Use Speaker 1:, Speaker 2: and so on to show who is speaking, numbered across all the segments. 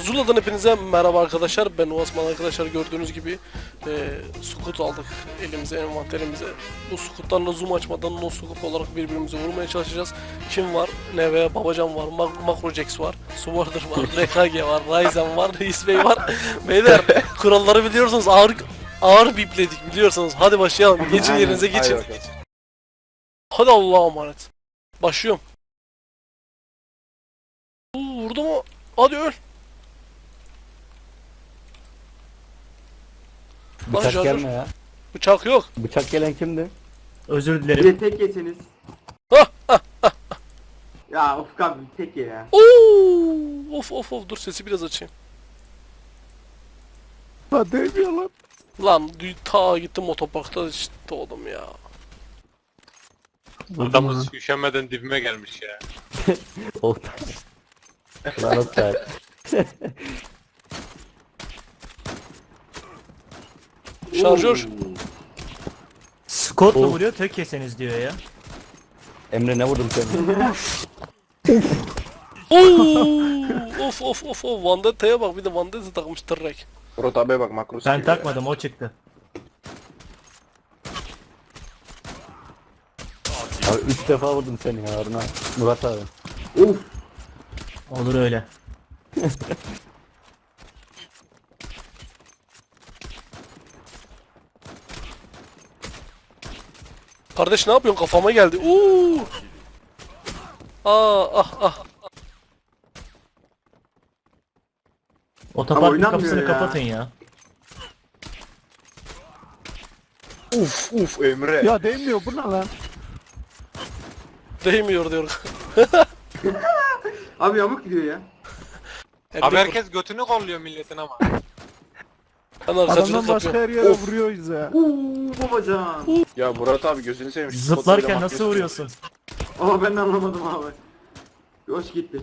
Speaker 1: Zula'dan hepinize merhaba arkadaşlar. Ben Osman arkadaşlar, gördüğünüz gibi scout aldık elimize, envanterimize. Bu scoutlarla zoom açmadan no scope olarak birbirimize vurmaya çalışacağız. Kim var? Neve, Babacan var, Macrojax var, Swarder var, RKG var, Ryzen var, Reis Bey var. Beyler, kuralları biliyorsunuz, ağır bipledik biliyorsunuz. Hadi başlayalım. Geçin yerinize, geçin. Hadi Allah'a emanet. Başlıyorum. Vurdu mu? Hadi öl.
Speaker 2: Bıçak
Speaker 1: Şarjör.
Speaker 2: gelme ya.
Speaker 1: Bıçak yok.
Speaker 2: Bıçak gelen kimdi?
Speaker 3: Özür
Speaker 4: Bir
Speaker 3: dilerim.
Speaker 4: de tek yeseniz.
Speaker 1: Hah,
Speaker 4: Ya Ufuk abi tek ye ya.
Speaker 1: Oo! Of dur, sesi biraz açayım.
Speaker 2: Ha değmiyor lan.
Speaker 1: Lan ta gittim otoparkta işte oğlum ya.
Speaker 5: Adamız üşenmeden dibime gelmiş ya.
Speaker 2: Oktay. Lan Oktay.
Speaker 1: Şarjör.
Speaker 3: Scott'la
Speaker 2: Of.
Speaker 3: vuruyor, tek yeseniz diyor ya.
Speaker 2: Emre ne vurdum seni?
Speaker 1: Oo! Of. Vandetta'ya bak, bir de Vandetta takmış tırrek.
Speaker 6: Murat abiye bak makrosu
Speaker 3: Ben
Speaker 6: gibi
Speaker 3: takmadım, o çıktı.
Speaker 2: Abi 3 defa vurdum seni ya Harun abi. Murat abi.
Speaker 4: Uf.
Speaker 3: Olur öyle.
Speaker 1: Kardeş ne yapıyorsun? Kafama geldi. Oo! Ah.
Speaker 3: Otoparkın
Speaker 4: oynanmıyor
Speaker 3: kapısını
Speaker 4: ya.
Speaker 3: kapatın ya.
Speaker 6: ya. Uf Emre.
Speaker 7: Ya değmiyor bu ne lan?
Speaker 1: Değmiyor diyor.
Speaker 4: Abi yamuk gidiyor ya.
Speaker 5: Abi herkes götünü kolluyor milletin ama.
Speaker 1: Ben arkacılık
Speaker 7: Adamdan başka
Speaker 1: yapıyorum.
Speaker 7: her yere vuruyoruz ya.
Speaker 4: Babacan.
Speaker 6: Ya Murat abi gözünü seveyim. şu
Speaker 3: Zıplarken
Speaker 6: spotları
Speaker 3: nasıl
Speaker 6: makrosu-
Speaker 3: vuruyorsun?
Speaker 4: Ama ben de anlamadım abi. Hoş gitti.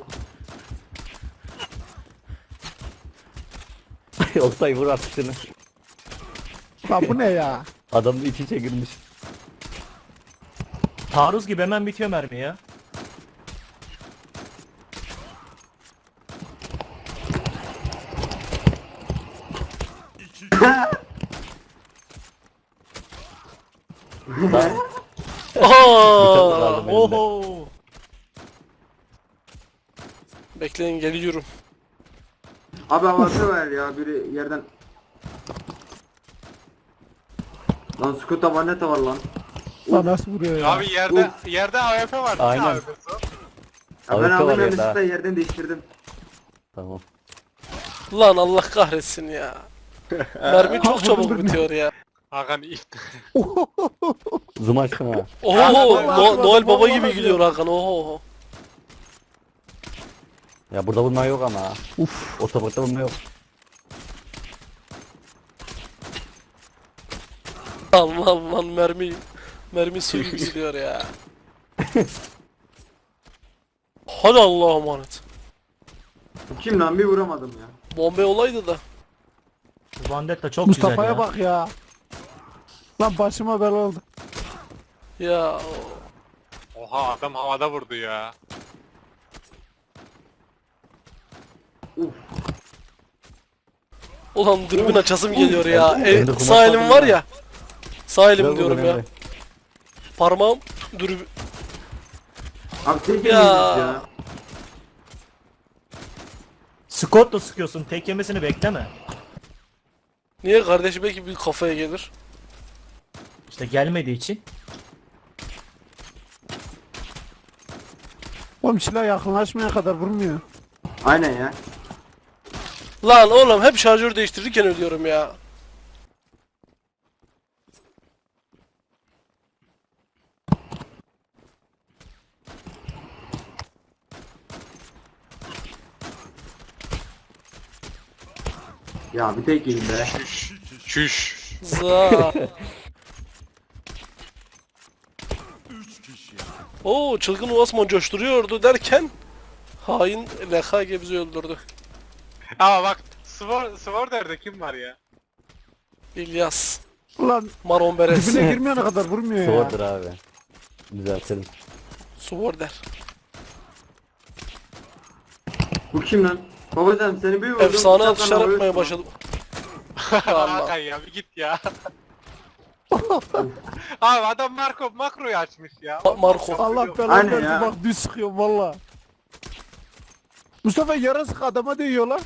Speaker 2: Oktay vur artık şunu.
Speaker 7: Lan bu ne ya?
Speaker 2: Adam da iç içe girmiş.
Speaker 3: Taarruz gibi hemen bitiyor mermi ya.
Speaker 2: Lan
Speaker 1: Aa!
Speaker 2: aldım elimde.
Speaker 3: Oho!
Speaker 1: Bekleyin, geliyorum.
Speaker 4: Abi havası var ya biri yerden. Lan Scott'a Vanetta var lan.
Speaker 7: Lan nasıl vuruyor ya?
Speaker 5: Abi yerde AWP var.
Speaker 2: Aynen.
Speaker 5: AWP'si.
Speaker 4: Ya ben
Speaker 2: AWP var
Speaker 4: aldım
Speaker 2: ya
Speaker 4: elbisesi
Speaker 2: daha.
Speaker 4: de yerden değiştirdim.
Speaker 2: Tamam.
Speaker 1: Lan Allah kahretsin ya. Mermi çok çabuk bitiyor ya.
Speaker 5: Hakan ilk.
Speaker 2: Zoom açtım ha.
Speaker 1: Oho, Noel Baba gibi gülüyor Hakan. Oho.
Speaker 2: Ya burada vurma yok ama. Uf. Otoparkta vurma yok.
Speaker 1: Aman mermi su gibi gidiyor ya. Hadi Allah'a emanet.
Speaker 4: Bu kim lan bir vuramadım ya.
Speaker 1: Bombe olaydı da.
Speaker 3: Vandetta çok güzel
Speaker 7: Mustafa'ya
Speaker 3: ya.
Speaker 7: bak ya. Lan başıma bela oldu.
Speaker 1: Ya
Speaker 5: Oha adam havada vurdu ya.
Speaker 1: ulan dürbün açasım geliyor ya.
Speaker 2: Ben de
Speaker 1: Sağ elim
Speaker 2: kumaş
Speaker 1: var
Speaker 2: aldım
Speaker 1: ya. Sağ elim
Speaker 2: Biraz
Speaker 1: diyorum
Speaker 2: vurdum
Speaker 1: ya.
Speaker 2: Emre.
Speaker 1: Parmağım dürbün.
Speaker 4: Abi tek
Speaker 1: Ya.
Speaker 4: yemeyiz ya.
Speaker 3: Scott'la sıkıyorsun, tek yemesini bekleme.
Speaker 1: Niye kardeşi, belki bir kafaya gelir.
Speaker 3: İşte gelmediği için.
Speaker 7: Oğlum silah yakınlaşmaya kadar vurmuyor.
Speaker 4: Aynen ya.
Speaker 1: Lan oğlum hep şarjör değiştirirken ölüyorum ya.
Speaker 4: Ya bir tek yedim be.
Speaker 5: Çüş.
Speaker 1: Za. Oo, çılgın Osman coşturuyordu derken hain LKG bizi öldürdü.
Speaker 5: Ama bak Sworder'de kim var ya?
Speaker 1: İlyas,
Speaker 7: Ulan
Speaker 1: Maron Beres,
Speaker 7: dibine girmeyene kadar vurmuyor ya.
Speaker 2: Sıvırdır abi. Düzeltelim.
Speaker 1: Sworder.
Speaker 4: Bu kim lan? Babacan seni bir vurdum.
Speaker 1: Efsane
Speaker 4: bıçakla
Speaker 1: atışlar
Speaker 4: vuruyorsun.
Speaker 1: yapmaya başladım. Allah.
Speaker 5: Hakan ya bir git ya. Abi adam makroyu açmış ya.
Speaker 1: Marco.
Speaker 7: Allah belanı
Speaker 4: Aynen
Speaker 7: versin
Speaker 4: ya.
Speaker 7: bak düz sıkıyorum valla. Mustafa yara sık adama değiyor lan.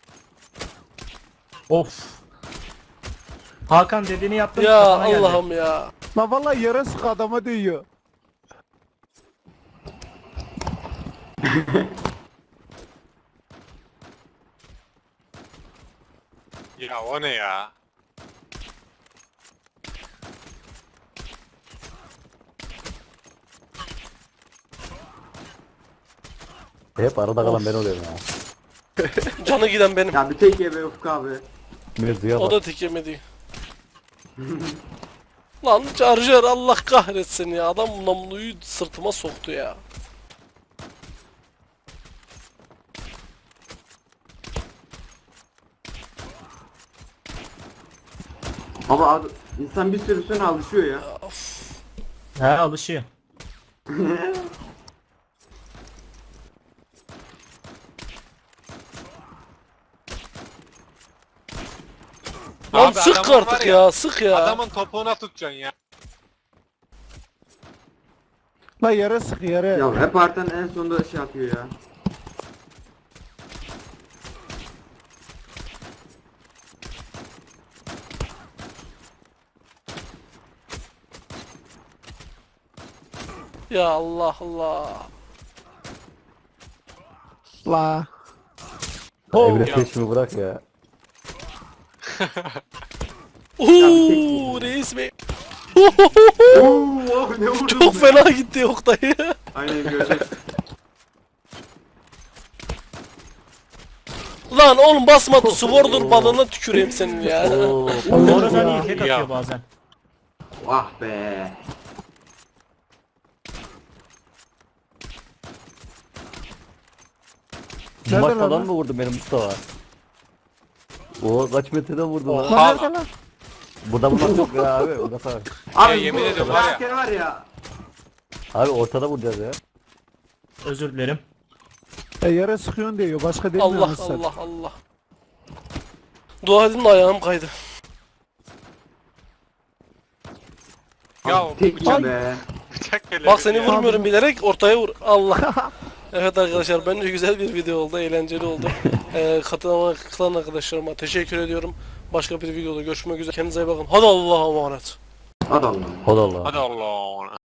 Speaker 3: Of. Hakan dediğini yaptım.
Speaker 1: Ya
Speaker 3: kafana geldi.
Speaker 1: Allah'ım ya.
Speaker 7: Lan valla yara sık adama değiyor.
Speaker 5: Ya o ne ya?
Speaker 2: Hep arada kalan ben oluyorum ya.
Speaker 1: Canı giden benim.
Speaker 4: Ya bir tek ye be Ufuk abi.
Speaker 2: Mevzuya
Speaker 1: O
Speaker 2: bak.
Speaker 1: da tek yemedi. Lan Charger Allah kahretsin ya. Adam namluyu sırtıma soktu ya.
Speaker 4: Ama insan bir süre sonra alışıyor ya.
Speaker 3: He alışıyor.
Speaker 1: Lan
Speaker 5: Abi
Speaker 1: sık
Speaker 5: adamın
Speaker 1: artık
Speaker 5: var
Speaker 1: ya, sık ya.
Speaker 5: Adamın topuğuna tutacaksın ya.
Speaker 7: Lan yara sık yara.
Speaker 4: Ya hep artan en sonunda şey yapıyor ya.
Speaker 1: Ya Allah Allah.
Speaker 7: La.
Speaker 2: Emre
Speaker 5: Ya.
Speaker 2: peşimi bırak ya.
Speaker 1: Uuu reis bey.
Speaker 4: Oo ne vurdun
Speaker 1: Çok
Speaker 4: be?
Speaker 1: fena gitti Oktay.
Speaker 4: Aynen görecek.
Speaker 1: Lan oğlum basmadı. Sword'un balığına tüküreyim senin ya.
Speaker 2: Oo.
Speaker 3: Sonradan iyi tek
Speaker 5: Ya.
Speaker 3: atıyor bazen.
Speaker 4: Ah be.
Speaker 2: Bu maç
Speaker 7: Nerede lan?
Speaker 2: falan mı vurdun benim Mustafa? O kaç metreden vurdu lan?
Speaker 7: Lan nerede lan?
Speaker 2: Burada vurmak yok ya abi. Murat abi.
Speaker 4: Abi
Speaker 5: yemin
Speaker 4: bu
Speaker 5: ediyorum var ya.
Speaker 4: karakter var ya.
Speaker 2: Abi ortada vuracağız ya.
Speaker 3: Özür dilerim.
Speaker 7: Yara sıkıyorsun diyor. Başka demiyor
Speaker 1: Allah
Speaker 7: musun sen?
Speaker 1: Allah Allah. Dua edin de ayağım kaydı.
Speaker 5: Ya
Speaker 4: Abi tek ye be.
Speaker 5: bıçak geliyor.
Speaker 1: Bak seni vurmuyorum bilerek ortaya vur. Allah. Evet arkadaşlar bence güzel bir video oldu. Eğlenceli oldu. Katılan arkadaşlarıma teşekkür ediyorum. Başka bir videoda görüşmek üzere. Kendinize iyi bakın. Hadi Allah'a emanet.
Speaker 4: Hadi Allah'ım.
Speaker 2: Hadi Allah.
Speaker 5: Hadi Allah.